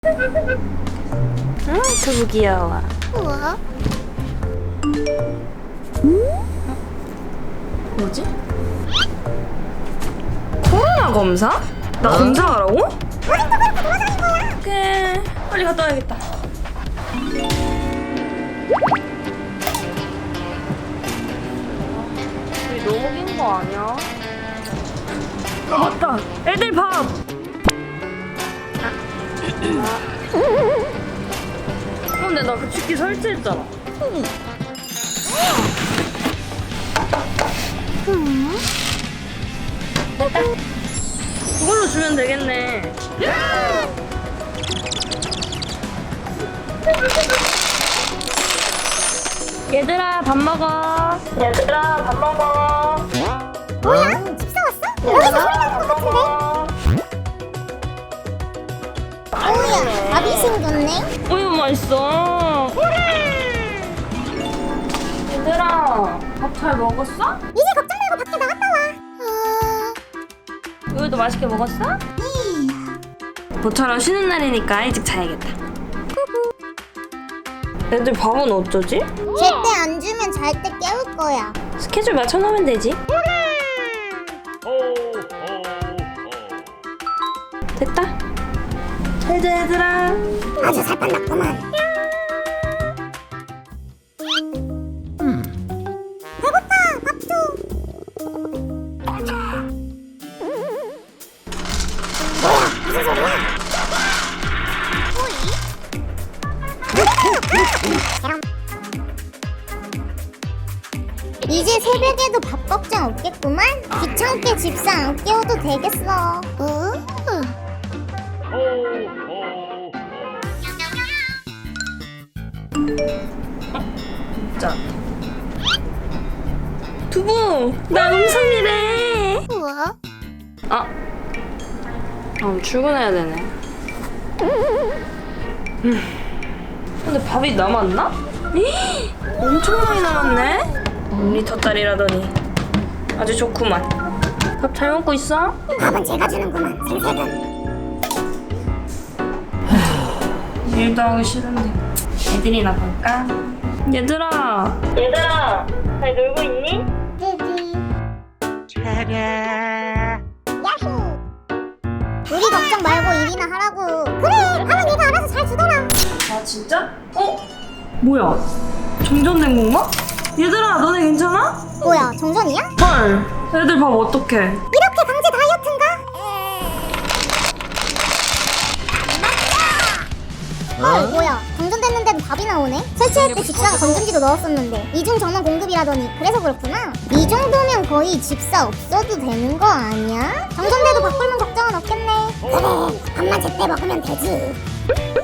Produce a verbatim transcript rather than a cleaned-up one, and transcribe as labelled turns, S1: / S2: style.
S1: 응, 두부 귀여워.
S2: 우와.
S1: 뭐지? 코로나 검사? 나 검사하라고? 오케이, 빨리 갔다 와야겠다. 우리 너무 긴 거 아니야? 아, 맞다! 애들 밥! 어, 근데 나 그 치킨 설치했잖아. 됐다. 그걸로 주면 되겠네. 얘들아 밥 먹어. 얘들아 밥 먹어.
S2: 뭐야? 집 사왔어? 여기서 소리 나는 것 같은데? 오야, 밥이 생겼네?
S1: 우유 맛있어. 얘들아 밥 잘 먹었어?
S2: 이제 걱정 말고 밖에 나갔다 와. 어...
S1: 우유도 맛있게 먹었어?
S2: 음.
S1: 모처럼 쉬는 날이니까 일찍 자야겠다. 애들 밥은 어쩌지?
S2: 제때 안 주면 잘 때 깨울 거야.
S1: 스케줄 맞춰놓으면 되지. 됐다. 잘자 얘들아.
S2: 아주 살판났구만. 배고파, 밥 줘. 뭐야, 무슨 소리야? 이제 새벽에도 밥 걱정 없겠구만. 귀찮게 집사 안 깨워도 되겠어. 어?
S1: 자. 두부, 나 음성이래.
S2: 우와.
S1: 아, 아 출근해야 되네. 음. 근데 밥이 남았나? 이 엄청 많이 남았네. 일 리터짜리라더니 아주 좋구만. 밥 잘 먹고 있어?
S2: 밥은 제가 주는구만. 생색은.
S1: 일도 하기 싫은데 애들이나 볼까? 얘들아, 얘들아, 잘 놀고 있니?
S2: 띠디. 야호. 우리 걱정 말고 일이나 하라고. 그래, 밥은 내가 알아서 잘 주더라.
S1: 아 진짜? 어? 뭐야? 정전된 건가? 얘들아, 너네 괜찮아?
S2: 뭐야, 정전이야?
S1: 헐, 애들 밥 어떡해?
S2: 이렇게 강제 다이어트인가? 헐, 뭐야, 정전됐는데도 밥이 나오네? 설치할 때 집사가 건전지도 넣었었는데 이중 전원 공급이라더니 그래서 그렇구나. 이 정도면 거의 집사 없어도 되는 거 아니야? 정전돼도 바꿀면 걱정은 없겠네. 그래, 밥만 제때 먹으면 되지.